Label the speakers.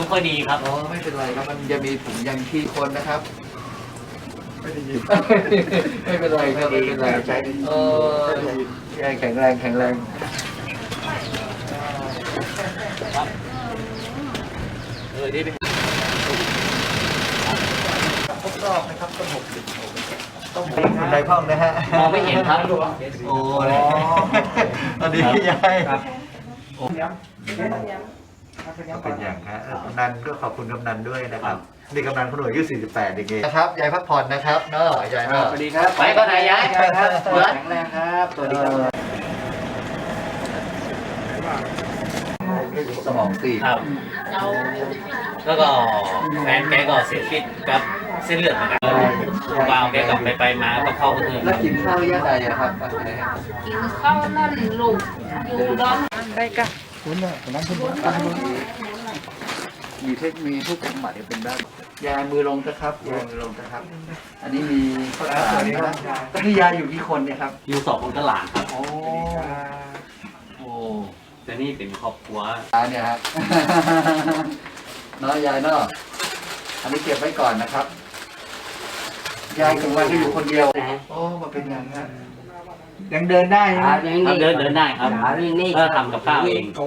Speaker 1: ค่อยดีครับ
Speaker 2: อ๋อไม่เป็นไรครับมันจะมีถุงยังชีพคนนะครับไม่ได้ยินไม่เป็นไรครับไม่เป็นไรใช้แข็งแรงแข็งแรง
Speaker 1: นี่เป็น
Speaker 2: ครบรอบนะครับต้อง60ต้องใจพ่องนะฮะ
Speaker 1: มองไม่เห็นครับ
Speaker 2: โอ้ตอนนี้ยายเป็นอย่างฮะกำนันก็ขอบคุณกำนันด้วยนะครับนี่กำนันคนหน่วยอายุ48อย่างงี้นะครับยายพักผ่อนนะครับเนาะยายเนาะ
Speaker 1: สวัสดีครับไปก็ไหนยาย
Speaker 2: ครับ
Speaker 1: แข็งแรงครับสวัสดีครับ
Speaker 2: สมองตีบ
Speaker 1: ครับแล้วก็แฟนแกก็เสียชีวิตกับเส้นเลือดเหมือนกันวาวแกกลับไปมาก็เข้าเพื่อน
Speaker 2: แล้วกินข้าวย่าใดอะครับ
Speaker 3: กินข้าวนั่นลูกอยู่ร้อนไปกัน
Speaker 2: คุณน่ะคนนั้นคุณมีเทคนิคทุกจังหวัดเป็นได้ยามือลงนะครับยามือลงนะครับอันนี้มีข้าวสารนะครับตอนนี้ยาอยู่กี่คนเนี่ยครับ
Speaker 1: อยู่2 คนกับหลานครับ
Speaker 2: โอ้
Speaker 1: แต่นี่เป็นครอบครัว
Speaker 2: เนี่ยฮะเนาะยายเนาะอันนี้เก็บไว้ก่อนนะครับยายถึงวันก็อยู่คนเดียวโอ้มาเป็นอย่างนั้นยังเดินได้นะ
Speaker 1: เดินได้ครับก็ทำกับข้าวเอง